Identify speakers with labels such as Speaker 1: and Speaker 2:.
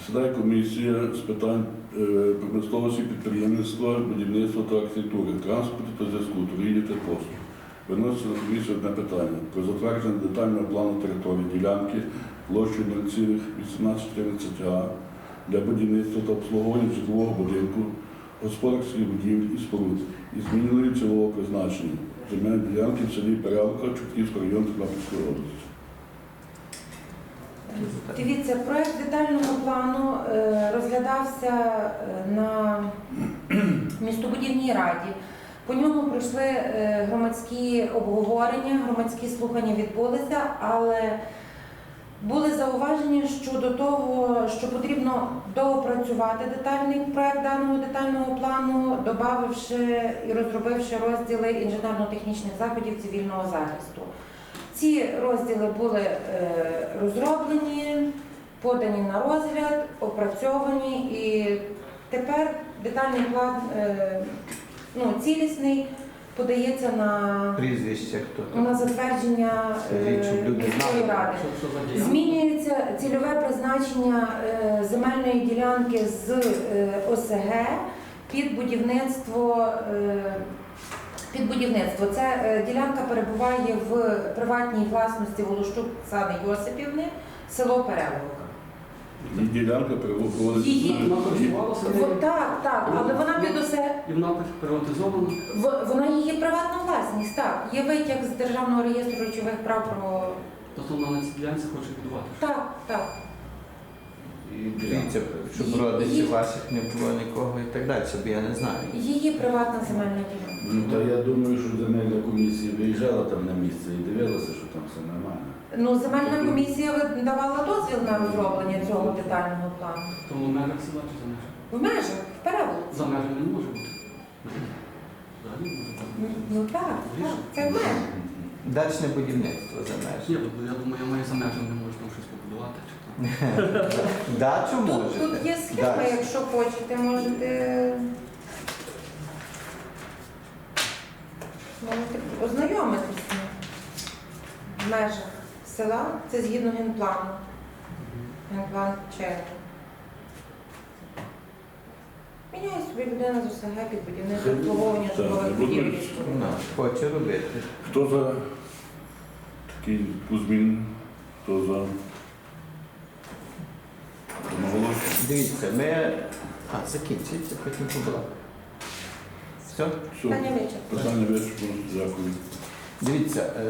Speaker 1: Сідає комісія з питань промисловості, підприємництва, будівництва та архітектури, транспорту та зв'язку, торгівлі та послуг. Виноситься на комісію одне питання про затвердження детального плану території ділянки площею 0,1814 га для будівництва та обслуговування житлового будинку, господарських будівель і споруд із зміною цільового призначення земельної ділянки в селі Перелка, Чортківського району Тернопільської області.
Speaker 2: Дивіться, проект детального плану розглядався на містобудівній раді. По ньому пройшли громадські обговорення, громадські слухання відбулися, але були зауваження щодо того, що потрібно доопрацювати детальний проект даного детального плану, додавши і розробивши розділи інженерно-технічних заходів цивільного захисту. Ці розділи були розроблені, подані на розгляд, опрацьовані, і тепер детальний план цілісний подається
Speaker 3: Прізвище хто?
Speaker 2: на затвердження міської ради. Змінюється цільове призначення земельної ділянки з ОСГ під будівництво. Ця ділянка перебуває в приватній власності Волощук Оксани Йосипівни, село Переловка.
Speaker 1: Її ділянка переводиться.
Speaker 4: Вона користувалася нею?
Speaker 2: Так, але вона під ОСГ.
Speaker 4: І вона приватизована?
Speaker 2: Вона її приватна власність, так. Є витяг з Державного реєстру речових прав про...
Speaker 4: Тобто вона на цій ділянці хоче будувати?
Speaker 2: Так.
Speaker 3: І дивіться, щоб родичів ваших не було нікого і так далі, бо я не знаю.
Speaker 2: Її приватна земельна ділянка.
Speaker 5: Ну, то я думаю, що земельна комісія виїжджала там на місце і дивилася, що там все нормально.
Speaker 2: Земельна комісія давала дозвіл на розроблення цього детального плану.
Speaker 4: То в межах села чи за межах?
Speaker 2: В межах, в Переволоці.
Speaker 4: За межами не може бути. Взагалі не може бути.
Speaker 2: Ну так, це в межах.
Speaker 3: Дачне будівництво за межі.
Speaker 4: Ні, я думаю, я маю за межами не можу там щось побудувати. Чи там.
Speaker 3: Дачу можете?
Speaker 2: Тут є схема,
Speaker 3: Дачу.
Speaker 2: якщо хочете, можете ознайомитися в межах села. Це згідно генплану. Генплан черги. Міняє собі людина з ОСГ під будівництво обслуговування житлових будівель.
Speaker 3: Ну, хоче робити.
Speaker 1: Хто за такі зміни? Хто за? Одноголосно.
Speaker 3: Дивіться, ми... закінчується, потім побрати. Все?
Speaker 1: Все.
Speaker 2: Питання вичерпано.
Speaker 1: Питання вичерпано. Дякую.
Speaker 3: Дивіться,